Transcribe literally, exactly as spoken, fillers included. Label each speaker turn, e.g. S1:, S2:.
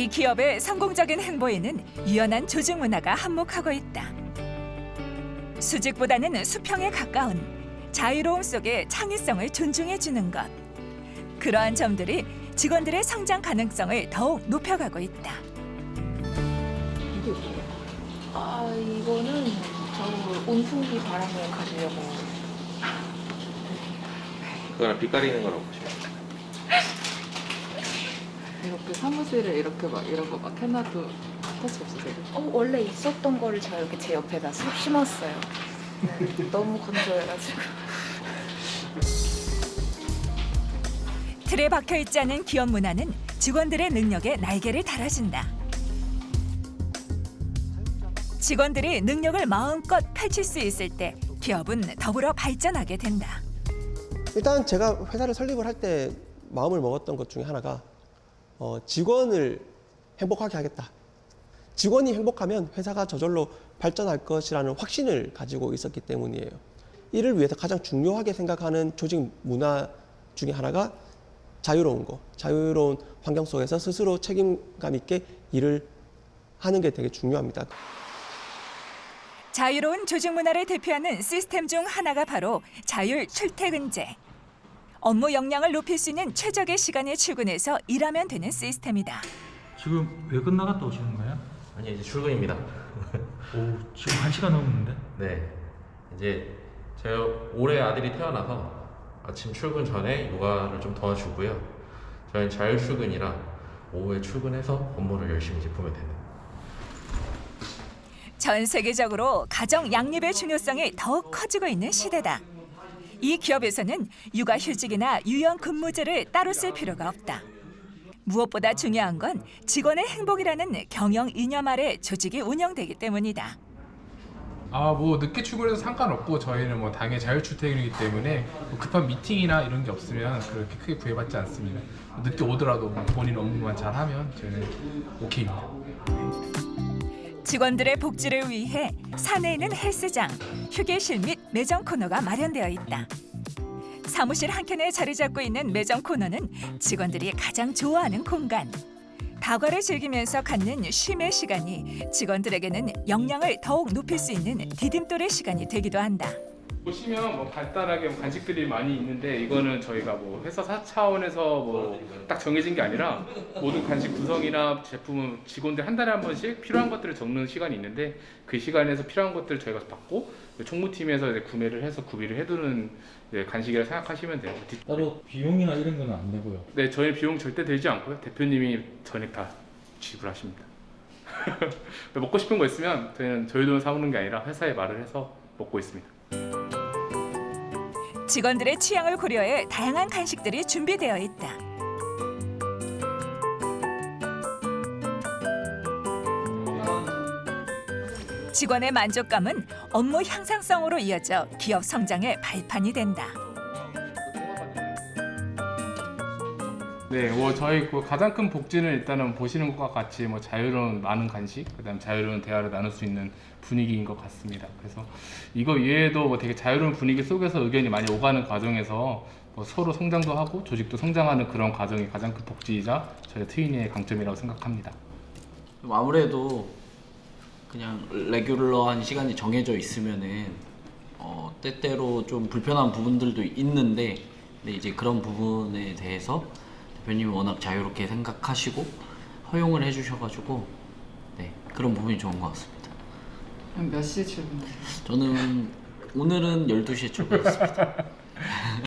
S1: 이 기업의 성공적인 행보에는 유연한 조직 문화가 한몫하고 있다. 수직보다는 수평에 가까운 자유로움 속의 창의성을 존중해 주는 것. 그러한 점들이 직원들의 성장 가능성을 더욱 높여가고 있다.
S2: 이게 뭐예요? 아, 이거는 저 온풍기 바람을 가지려고.
S3: 그거랑 빛 가리는 거라고 보시면 돼요.
S2: 이렇게 사무실에 이렇게 막 이런 거 막 해놔도 터치 없으세요?
S4: 어, 원래 있었던 거를 제가 이렇게 제 옆에다 쏙 심었어요. 네, 너무 건조해가지고.
S1: 틀에 박혀 있지 않은 기업 문화는 직원들의 능력에 날개를 달아준다. 직원들이 능력을 마음껏 펼칠 수 있을 때 기업은 더불어 발전하게 된다.
S5: 일단 제가 회사를 설립을 할 때 마음을 먹었던 것 중에 하나가 어, 직원을 행복하게 하겠다. 직원이 행복하면 회사가 저절로 발전할 것이라는 확신을 가지고 있었기 때문이에요. 이를 위해서 가장 중요하게 생각하는 조직 문화 중에 하나가 자유로운 거, 자유로운 환경 속에서 스스로 책임감 있게 일을 하는 게 되게 중요합니다.
S1: 자유로운 조직 문화를 대표하는 시스템 중 하나가 바로 자율 출퇴근제. 업무 역량을 높일 수 있는 최적의 시간에 출근해서 일하면 되는 시스템이다.
S6: 지금 왜 끝나갔다 오시는 거예요?
S3: 아니 이제 출근입니다.
S6: 오, 지금 한 시간 넘었는데?
S3: 네, 이제 제가 올해 아들이 태어나서 아침 출근 전에 육아를 좀 도와주고요. 저희는 자율 출근이라 오후에 출근해서 업무를 열심히 이제 보면 되는.
S1: 전 세계적으로 가정 양립의 중요성이 더욱 커지고 있는 시대다. 이 기업에서는 육아휴직이나 유연 근무제를 따로 쓸 필요가 없다. 무엇보다 중요한 건 직원의 행복이라는 경영 이념 아래 조직이 운영되기 때문이다.
S7: 아, 뭐 늦게 출근해도 상관없고 저희는 뭐 당일 자율 출퇴근이기 때문에 뭐 급한 미팅이나 이런 게 없으면 그렇게 크게 부여받지 않습니다. 늦게 오더라도 뭐 본인 업무만 잘하면 저희는 오케이입니다.
S1: 직원들의 복지를 위해 사내에 있는 헬스장, 휴게실 및 매점 코너가 마련되어 있다. 사무실 한켠에 자리 잡고 있는 매점 코너는 직원들이 가장 좋아하는 공간. 다과를 즐기면서 갖는 쉼의 시간이 직원들에게는 역량을 더욱 높일 수 있는 디딤돌의 시간이 되기도 한다.
S7: 보시면 뭐 간단하게 뭐 간식들이 많이 있는데 이거는 저희가 뭐 회사 사 차원에서 뭐 딱 정해진 게 아니라 모든 간식 구성이나 제품은 직원들 한 달에 한 번씩 필요한 것들을 적는 시간이 있는데 그 시간에서 필요한 것들을 저희가 받고 총무팀에서 이제 구매를 해서 구비를 해두는 간식이라 생각하시면 돼요.
S6: 따로 비용이나 이런 건 안 내고요.
S7: 네, 저희 비용 절대 들지 않고요. 대표님이 전액 다 지불하십니다. 먹고 싶은 거 있으면 저희는 저희 돈을 사오는 게 아니라 회사에 말을 해서 먹고 있습니다.
S1: 직원들의 취향을 고려해 다양한 간식들이 준비되어 있다. 직원의 만족감은 업무 향상성으로 이어져 기업 성장의 발판이 된다.
S7: 네, 뭐 저희 그 가장 큰 복지는 일단은 보시는 것과 같이 뭐 자유로운 많은 간식, 그다음 자유로운 대화를 나눌 수 있는 분위기인 것 같습니다. 그래서 이거 외에도 뭐 되게 자유로운 분위기 속에서 의견이 많이 오가는 과정에서 뭐 서로 성장도 하고 조직도 성장하는 그런 과정이 가장 큰 복지이자 저희 트윈의 강점이라고 생각합니다.
S8: 아무래도 그냥 레귤러한 시간이 정해져 있으면은 어, 때때로 좀 불편한 부분들도 있는데, 근데 이제 그런 부분에 대해서 대표님이 워낙 자유롭게 생각하시고 허용을 해주셔가지고 네, 그런 부분이 좋은 것 같습니다.
S2: 그럼 몇 시에 출근해요?
S8: 저는 오늘은 열두 시에 출근했습니다.